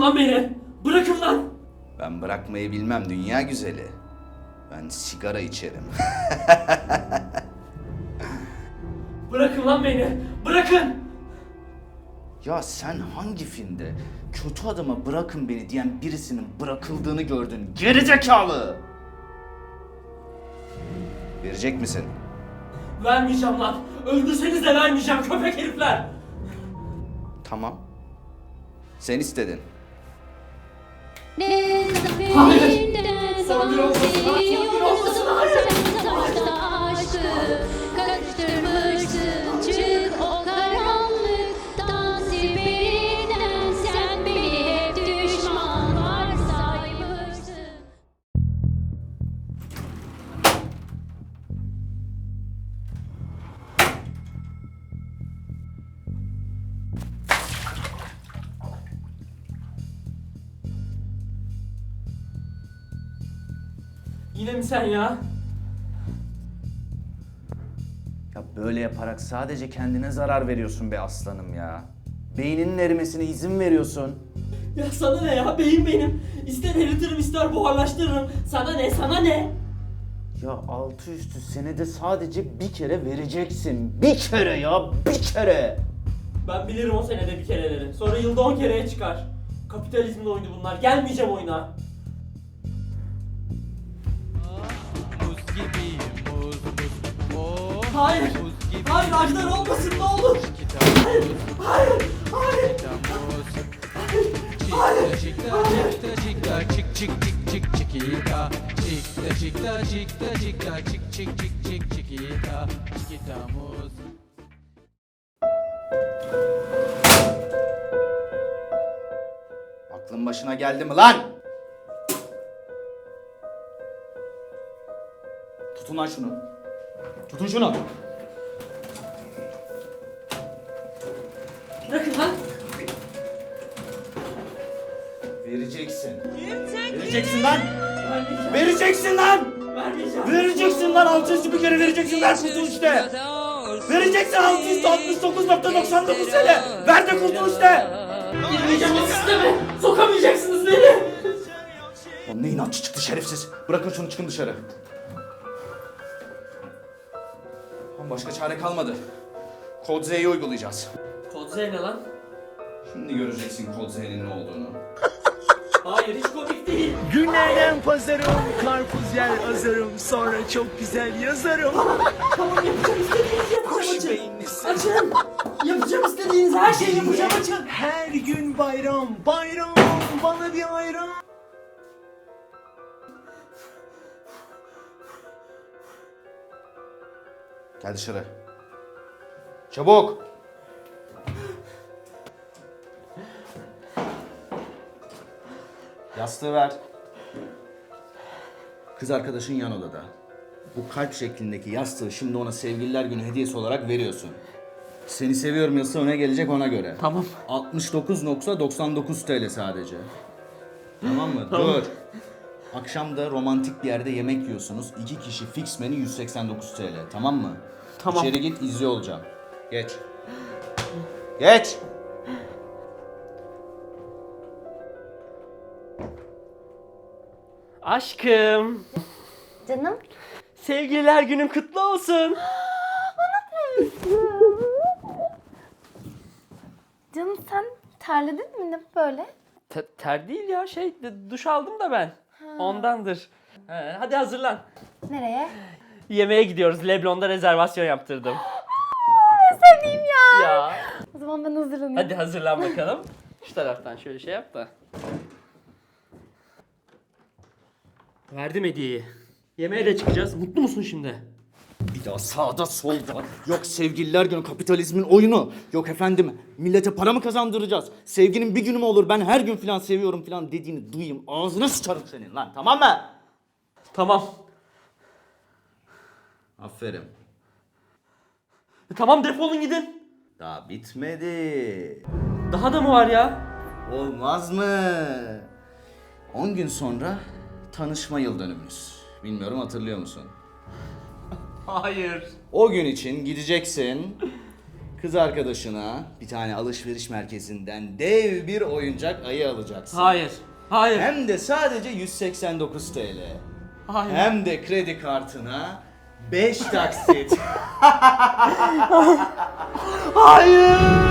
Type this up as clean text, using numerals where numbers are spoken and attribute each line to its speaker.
Speaker 1: Bırakın lan beni! Bırakın lan!
Speaker 2: Ben bırakmayı bilmem dünya güzeli. Ben sigara içerim.
Speaker 1: Bırakın lan beni! Bırakın!
Speaker 2: Ya sen hangi filmde kötü adama bırakın beni diyen birisinin bırakıldığını gördün? Gerizekalı! Verecek misin?
Speaker 1: Vermeyeceğim lan! Öldürseniz de vermeyeceğim köpek herifler!
Speaker 2: Tamam. Sen istedin.
Speaker 1: Hayır! Son bir olmasın lan! Son bir olmasın! Hayır!
Speaker 3: Karıştırmışsın çık o karanlıktan sibirinden sen beni hep düşman varsaymışsın.
Speaker 1: Yine mi sen ya?
Speaker 2: Ya böyle yaparak sadece kendine zarar veriyorsun be aslanım ya. Beyninin erimesine izin veriyorsun.
Speaker 1: Ya sana ne ya? Beyin benim. İster eritirim ister buharlaştırırım. Sana ne? Sana ne?
Speaker 2: Ya altı üstü senede sadece bir kere vereceksin. Bir kere ya, bir kere.
Speaker 1: Ben bilirim o senede bir kereleri. Sonra yılda 10 kereye çıkar. Kapitalizmin oyunu bunlar. Gelmeyeceğim oyuna.
Speaker 4: Muz gibi muz muz. Oh,
Speaker 1: Hayır.
Speaker 4: muz gibi.
Speaker 1: Hayır Ajdar olmasın ne olur. Hayır. Hayır. Hayır.
Speaker 4: Hayır. Çikta çikta çik çik çik çik çikita. Çikta çikta çikta çikta çik çik çik çik çikita. Çikita muz.
Speaker 2: Aklın başına geldi mi lan? Tutun lan şunu. Tutun şunu.
Speaker 1: Bırakın lan.
Speaker 2: Vereceksin. Vereceksin lan.
Speaker 1: Vermeyeceğim.
Speaker 2: Vereceksin lan.
Speaker 1: Vermeyeceğim.
Speaker 2: Vereceksin lan. Altı üstü bir kere vereceksin. Ver kurtul işte. Vereceksin 669.99 TL. Ver de kurtul işte.
Speaker 1: Girmeyeceğim o sisteme. Sokamayacaksınız beni.
Speaker 2: Oğlum ne inatçı çıktı şerefsiz. Bırakın şunu çıkın dışarı. Oğlum başka çare kalmadı. Kod Z'yi uygulayacağız.
Speaker 1: Kod Z ne lan?
Speaker 2: Şimdi göreceksin Kod Z'nin ne olduğunu.
Speaker 1: Hayır hiç komik değil.
Speaker 5: Günlerden pazarım, karpuz yer azarım, sonra çok güzel yazarım.
Speaker 1: Tamam yapacağım istediğinizi yapacağım açın. Açın. Yapacağım istediğiniz her şeyi yapacağım açın.
Speaker 5: Her gün bayram, bayram, bana bir ayran.
Speaker 2: Gel dışarı. Çabuk. Yastığı ver. Kız arkadaşın yan odada. Bu kalp şeklindeki yastığı şimdi ona sevgililer günü hediyesi olarak veriyorsun. Seni seviyorum yazısı öne gelecek ona göre.
Speaker 1: Tamam.
Speaker 2: 69.99 TL sadece. Tamam mı? Dur. Akşam da romantik bir yerde yemek yiyorsunuz. 2 kişi fix menü 189 TL. Tamam mı?
Speaker 1: Tamam.
Speaker 2: İçeri git izliyor olacağım. Geç. Geç.
Speaker 1: Aşkım.
Speaker 6: Canım.
Speaker 1: Sevgililer günün kutlu olsun.
Speaker 6: Canım sen terledin mi ne böyle?
Speaker 1: Ter değil ya duş aldım da ben. Ondandır. Hadi hazırlan.
Speaker 6: Nereye?
Speaker 1: Yemeğe gidiyoruz. Leblon'da rezervasyon yaptırdım.
Speaker 6: Sevdiğim ya.
Speaker 1: Ya.
Speaker 6: O zaman ben hazırlanayım.
Speaker 1: Hadi hazırlan bakalım. Şu taraftan şöyle şey yap da. Verdim hediyeyi. Yemeğe de çıkacağız. Mutlu musun şimdi?
Speaker 2: Bir daha sağda solda. Yok sevgililer günü kapitalizmin oyunu. Yok efendim millete para mı kazandıracağız? Sevginin bir günü mü olur ben her gün falan seviyorum falan dediğini duyayım. Ağzına sıçarım senin lan tamam mı?
Speaker 1: Tamam.
Speaker 2: Aferin.
Speaker 1: Tamam defolun gidin.
Speaker 2: Daha bitmedi.
Speaker 1: Daha da mı var ya?
Speaker 2: Olmaz mı? 10 gün sonra tanışma yıl dönümümüz. Bilmiyorum hatırlıyor musun?
Speaker 1: Hayır.
Speaker 2: O gün için gideceksin. Kız arkadaşına bir tane alışveriş merkezinden dev bir oyuncak ayı alacaksın.
Speaker 1: Hayır. Hayır.
Speaker 2: Hem de sadece 189 TL.
Speaker 1: Hayır.
Speaker 2: Hem de kredi kartına 5 taksit.
Speaker 1: Hayır.